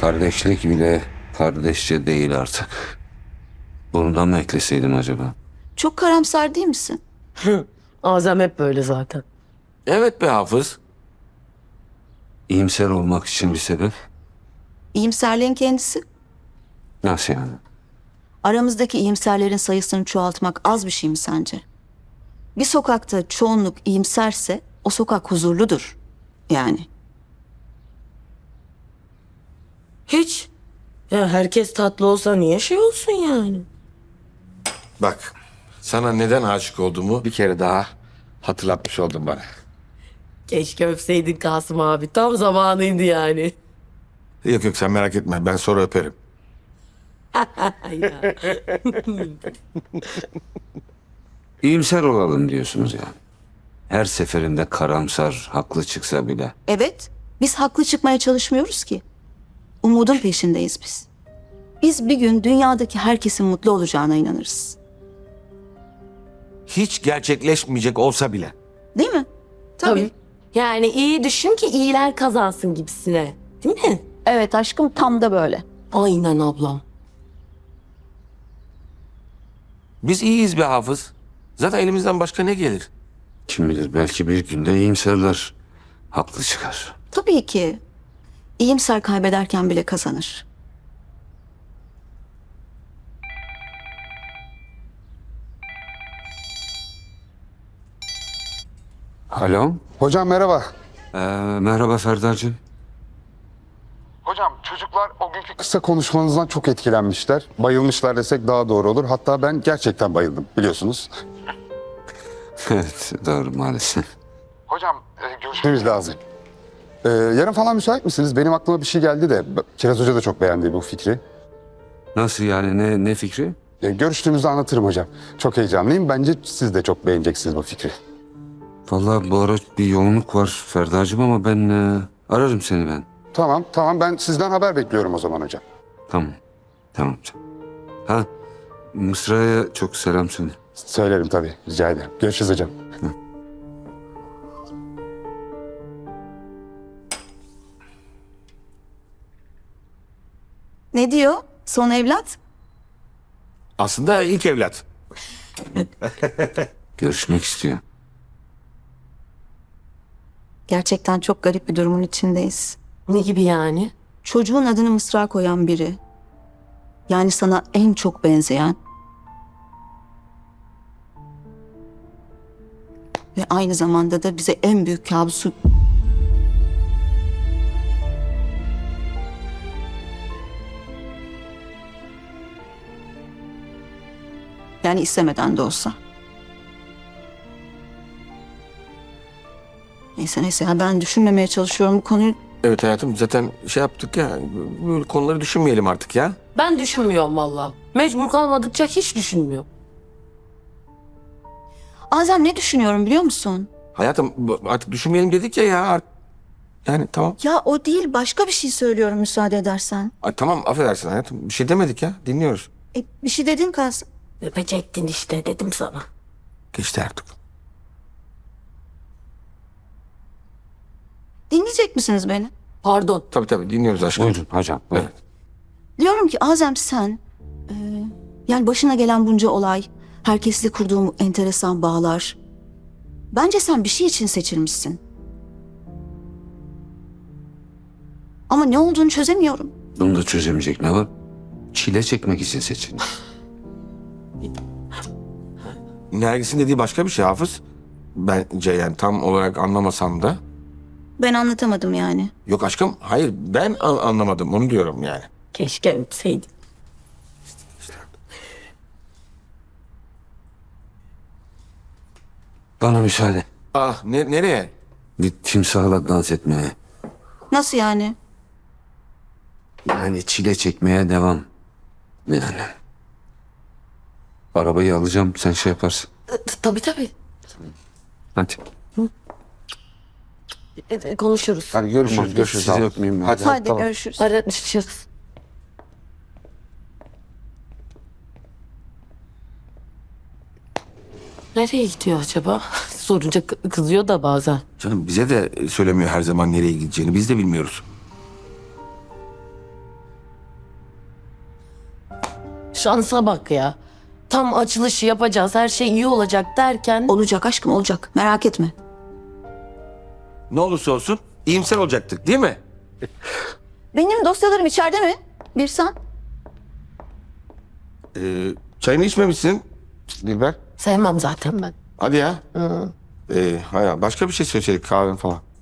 Kardeşlik bile kardeşçe değil artık. Bundan mı ekleseydim acaba? Çok karamsar değil misin? Azem hep böyle zaten. Evet be Hafız. İyimser olmak için bir sebep. İyimserliğin kendisi. Nasıl yani? Aramızdaki iyimserlerin sayısını çoğaltmak az bir şey mi sence? Bir sokakta çoğunluk iyimserse o sokak huzurludur. Yani. Hiç. Ya herkes tatlı olsa niye şey olsun yani? Bak, sana neden aşık olduğumu bir kere daha hatırlatmış oldun bana. Keşke öpseydin Kasım abi. Tam zamanıydı yani. Yok yok, sen merak etme, ben sonra öperim. Ya. İyimser olalım diyorsunuz yani. Her seferinde karamsar, haklı çıksa bile. Evet, biz haklı çıkmaya çalışmıyoruz ki. Umudun peşindeyiz biz. Biz bir gün dünyadaki herkesin mutlu olacağına inanırız. Hiç gerçekleşmeyecek olsa bile. Değil mi? Tabii. Yani iyi düşün ki iyiler kazansın gibisine. Değil mi? Evet aşkım tam da böyle. Aynen ablam. Biz iyiyiz be Hafız. Zaten elimizden başka ne gelir? Kim bilir belki bir günde iyimserler. Haklı çıkar. Tabii ki. İyimser kaybederken bile kazanır. Alo. Hocam merhaba. Merhaba Ferdar'cığım. Hocam çocuklar o günkü kısa konuşmanızdan çok etkilenmişler. Bayılmışlar desek daha doğru olur. Hatta ben gerçekten bayıldım biliyorsunuz. Evet doğru maalesef. Hocam görüşmemiz lazım. Yarın falan müsait misiniz? Benim aklıma bir şey geldi de Kiraz Hoca da çok beğendi bu fikri. Nasıl yani ne fikri? Görüştüğümüzde anlatırım hocam. Çok heyecanlıyım. Bence siz de çok beğeneceksiniz bu fikri. Vallahi bu ara bir yoğunluk var Ferdar'cığım ama ben ararım seni ben. Tamam ben sizden haber bekliyorum o zaman hocam. Tamam. Tamam canım. Ha Mısra'ya çok selam söyle. Söylerim tabii. Rica ederim. Görüşürüz hocam. Ne diyor? Son evlat? Aslında ilk evlat. Görüşmek istiyor. Gerçekten çok garip bir durumun içindeyiz. Ne gibi yani? Çocuğun adını Mısra koyan biri. Yani sana en çok benzeyen. Ve aynı zamanda da bize en büyük kabusu... Yani istemeden de olsa. Neyse ya ben düşünmemeye çalışıyorum bu konuyu. Evet hayatım, zaten şey yaptık ya, böyle konuları düşünmeyelim artık ya. Ben düşünmüyorum valla. Mecbur kalmadıkça hiç düşünmüyorum. Azem ne düşünüyorum biliyor musun? Hayatım artık düşünmeyelim dedik ya. Yani tamam. Ya o değil başka bir şey söylüyorum müsaade edersen. Ay, tamam affedersin hayatım, bir şey demedik ya, dinliyoruz. Bir şey dedin Kasım. Öpecektin işte dedim sana. Geçti artık. Dinleyecek misiniz beni? Pardon. Tabii dinliyoruz aşkım. Buyurun hocam. Buyurun. Evet. Diyorum ki Azem sen... yani başına gelen bunca olay, herkesle kurduğum enteresan bağlar... Bence sen bir şey için seçilmişsin. Ama ne olduğunu çözemiyorum. Bunu da çözemeyecek ne var? Çile çekmek için seçilmiş. Nergis'in dediği başka bir şey Hafız. Bence yani tam olarak anlamasam da. Ben anlatamadım yani. Yok aşkım, hayır ben anlamadım, onu diyorum yani. Keşke öpseydin. Bana müsaade. Ah nereye? Bir timsahla dans etmeye. Nasıl yani? Yani çile çekmeye devam. Yani. Arabayı alacağım sen şey yaparsın. Tabii. Hadi. Konuşuruz. Hadi görüşürüz, Tamam, görüşürüz. sizi Hadi. öpmeyeyim ben. Hadi. Hadi Tamam. görüşürüz. Arışırız. Nereye gidiyor acaba? Sorunca kızıyor da bazen. Canım bize de söylemiyor her zaman nereye gideceğini, biz de bilmiyoruz. Şansa bak ya. Tam açılışı yapacağız, her şey iyi olacak derken... Olacak aşkım, olacak. Merak etme. Ne olursa olsun iyimser olacaktık değil mi? Benim dosyalarım içeride mi? Birsan. Çayını içmemişsin Dilber. Sevmem zaten ben. Hadi ya. Hayır, başka bir şey söyleseydik kahve falan.